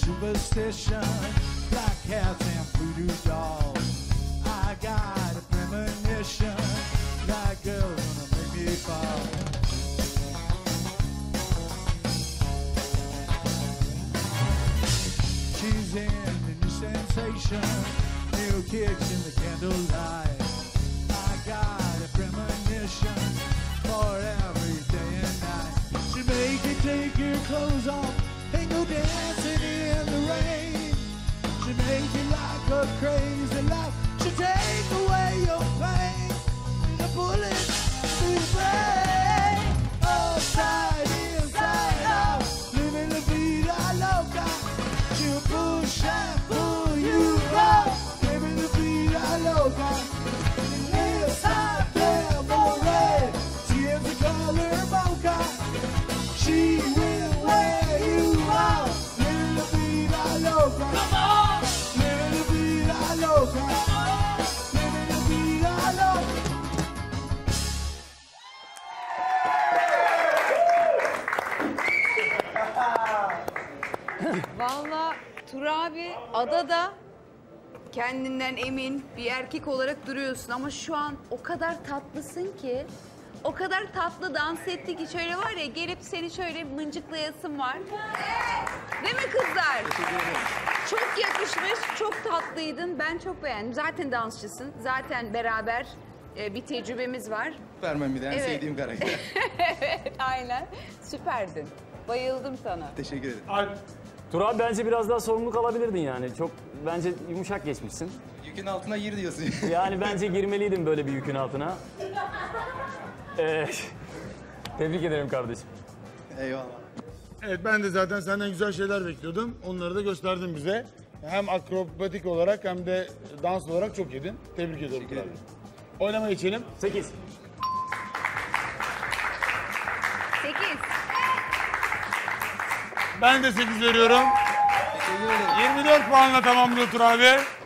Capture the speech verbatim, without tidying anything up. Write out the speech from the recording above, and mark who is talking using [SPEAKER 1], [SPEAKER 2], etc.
[SPEAKER 1] superstition, black cats and voodoo dolls. I got a premonition, that girl's gonna make me fall. She's in the new sensation, new kicks in the candlelight. I got a premonition for every day and night. She make you take your clothes off and go dancing in the rain. She make you like a crazy life. She take away your pain with a bullet through the brain. Upside, inside out, living la vida loca. She'll push and pull you up, living la vida loca. Lips hot, devil red, skin's the color mocha. She will wear you out, living la vida loca. Come on! Living la vida loca. Living la vida loca.
[SPEAKER 2] Vallahi Tur abi adada kendinden emin bir erkek olarak duruyorsun ama şu an o kadar tatlısın ki, o kadar tatlı dans etti ki şöyle var ya, gelip seni şöyle mıncıklayasın var. Değil mi kızlar? Çok yakışmış, çok tatlıydın. Ben çok beğendim. Zaten dansçısın. Zaten beraber e, bir tecrübemiz var.
[SPEAKER 3] Vermem bir de en
[SPEAKER 2] Evet.
[SPEAKER 3] sevdiğim karakter.
[SPEAKER 2] Evet, aynen. Süperdin. Bayıldım sana.
[SPEAKER 3] Teşekkür ederim.
[SPEAKER 4] Alp.
[SPEAKER 5] Tur abi bence biraz daha sorumluluk alabilirdin yani. Çok bence yumuşak geçmişsin.
[SPEAKER 3] Yükün altına gir diyorsun.
[SPEAKER 5] Yani bence girmeliydin böyle bir yükün altına. Ee, tebrik ederim kardeşim.
[SPEAKER 3] Eyvallah.
[SPEAKER 4] Evet, ben de zaten senden güzel şeyler bekliyordum. Onları da gösterdin bize. Hem akrobatik olarak hem de dans olarak çok iyiydin. Tebrik ediyorum.
[SPEAKER 3] Teşekkür ederim.
[SPEAKER 4] Oynamaya geçelim.
[SPEAKER 5] Sekiz.
[SPEAKER 2] Sekiz.
[SPEAKER 4] Ben de sekiz veriyorum.
[SPEAKER 3] Teşekkür ederim.
[SPEAKER 4] yirmi dört puanla tamamlıyor Tur abi.